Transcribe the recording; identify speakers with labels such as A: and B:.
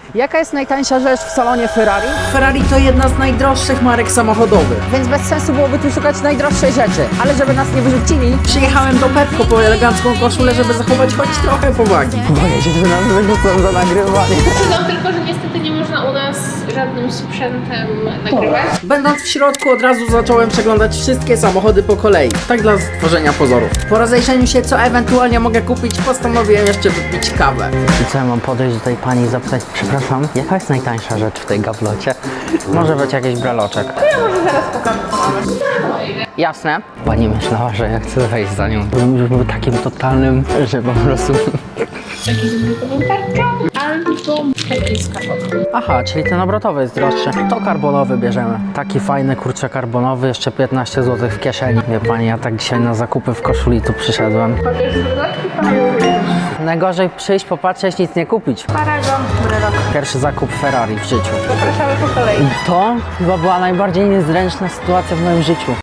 A: Jaka jest najtańsza rzecz w salonie Ferrari?
B: Ferrari to jedna z najdroższych marek samochodowych.
A: Więc bez sensu byłoby tu szukać najdroższej rzeczy. Ale żeby nas nie wyrzucili,
B: Przyjechałem do Pepko po elegancką koszulę, żeby zachować choć trochę powagi.
A: boję się, że nas wyrzucą za nagrywanie.
C: No tylko, że niestety nie można u nas żadnym sprzętem nagrywać.
B: Będąc w środku od razu zacząłem przeglądać wszystkie samochody po kolei. Tak dla stworzenia pozorów. Po rozejrzeniu się co ewentualnie mogę kupić, postanowiłem jeszcze wypić kawę.
A: I co, ja mam podejść do tej pani i zapytać, przepraszam, jaka jest najtańsza rzecz w tej gablocie? Może być jakiś breloczek.
C: Ja może zaraz pokażę, co mamy.
A: Jasne. Pani myślała, że ja chcę wejść za nią. Bym był takim totalnym, że po prostu...
C: Taki z brukową tarczą albo taki z kapotem.
A: Aha, czyli ten obrotowy jest droższy. To karbonowy bierzemy. Taki fajny, kurczę, karbonowy, jeszcze 15 zł w kieszeni. Wie pani, ja tak dzisiaj na zakupy w koszuli tu przyszedłem.
C: Chociaż z dodatku
A: Najgorzej przyjść, popatrzeć, nic nie kupić.
C: Paragon, brelok.
A: Pierwszy zakup Ferrari w życiu.
C: Zapraszamy po kolei.
A: To chyba była najbardziej niezręczna sytuacja w moim życiu.